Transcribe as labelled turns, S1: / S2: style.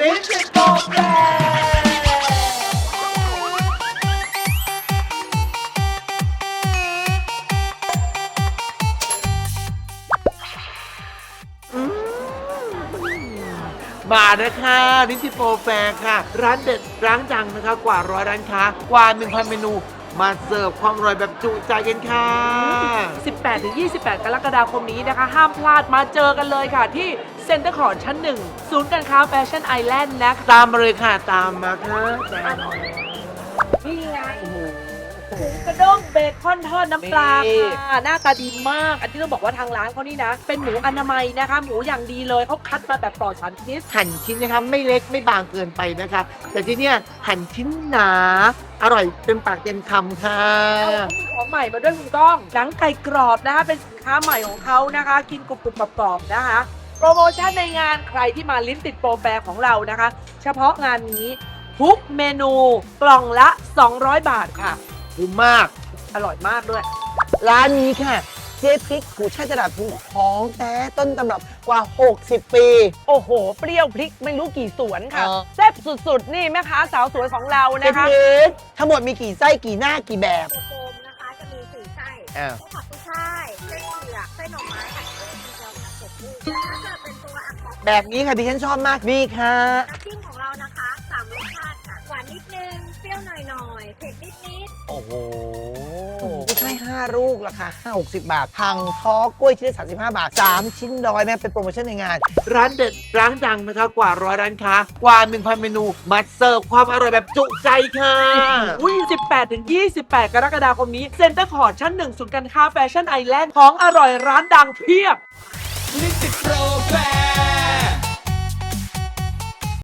S1: ลิ้นติดโปรแกรมานะคะลิ้นติดโปรแฟร์ค่ะ ร้านเด็ดร้านดังนะคะกว่า100ร้านค้ากว่า 1,000 เมนู มาเสิร์ฟความอร่อยแบบจุใจกันค่ะ
S2: 18-28 กรกฎาคมนี้นะคะ ห้ามพลาดมาเจอกันเลยค่ะที่เซ็นเตอร์คอร์ทชั้น 1 ศูนย์การค้าแฟชั่นไอแลนด์นะคะ
S1: ตามมาเลยค่ะ ตามมาค่ะตามมา
S2: นี่ไงหมูกระด้งเบคอนทอดน้ำปลาค่ะหน้าตาดีมาก อันนี้ต้องบอกว่าทางร้านเขานี่นะ เป็นหมูอนามัยนะคะ หมูอย่างดีเลยเขาคัดมาแบบปลอดสารพิษ
S1: หั่นชิ้นนะคะไม่เล็กไม่บางเกินไปนะคะ แต่ที่เนี้ยหั่นชิ้นหนา อร่อยเต็มปากเต็มคำค่ะ
S2: เขามีของใหม่มาด้วยคุณก้องหนังไก่กรอบนะคะ เป็นสินค้าใหม่ของเขานะคะ กินกรุบๆกรอบๆนะคะ โปรโมชั่นในงานใครที่มาลิ้นติดโปรแฟร์ของเรานะคะ เฉพาะงานนี้ทุกเมนูกล่องละ 200 บาทค่ะ
S1: คุ้มมาก
S2: อร่อยมากด้วย
S1: ร้านนี้ค่ะ เจ๊พริกกูช่ายตลาดภูของแท้ต้นตำรับกว่า 60 ปี
S2: โอ้โห เปรี้ยวพริกไม่รู้กี่สวนค่ะ แซ่บสุดๆ นี่แม่ค้าสาวสวยของเรา
S1: เจ๊
S2: นะ
S1: พ
S2: คะ
S1: ริกทั้งหมดมีกี่ไส้กี่หน้ากี่แบบ
S3: ตัวโฟมนะคะจะมี4 ไส้
S1: อ้าว
S3: ไส้ผักกุ้ยช่ายไส้เผือกไส้หน่อไม้ผัดกุ้งมีเจียวผัดเผ็ดกุ้งแล้วถ้าเกิดเป็นตัวอักษร
S1: แบบนี้ค่ะดิฉันชอบมากนี่ค่ะ
S3: น้ำจิ้มของเรานะคะ3 รสชาติค่ะหวานนิดนึงเปรี้ยวหน่อยๆเผ็ดนิด
S1: โอ้โหกูช่าย5 ลูกราคา60 บาทพังท้อกล้วยชิ้นละ35 บาท 3 ชิ้นร้อยแม่เป็นโปรโมชั่นในงาน ร้านเด็ดร้านดังนะคะกว่า100ร้านค้ากว่า 1,000 เมนู มาเสิร์ฟความอร่อยแบบจุใจค่ะ
S2: อุ้ย18-28 กรกฎาคมนี้เซ็นเตอร์คอร์ทชั้น 1 ศูนย์การค้าแฟชั่นไอแลนด์ของอร่อยร้านดังเพียบ
S1: ลิ้นติดโปร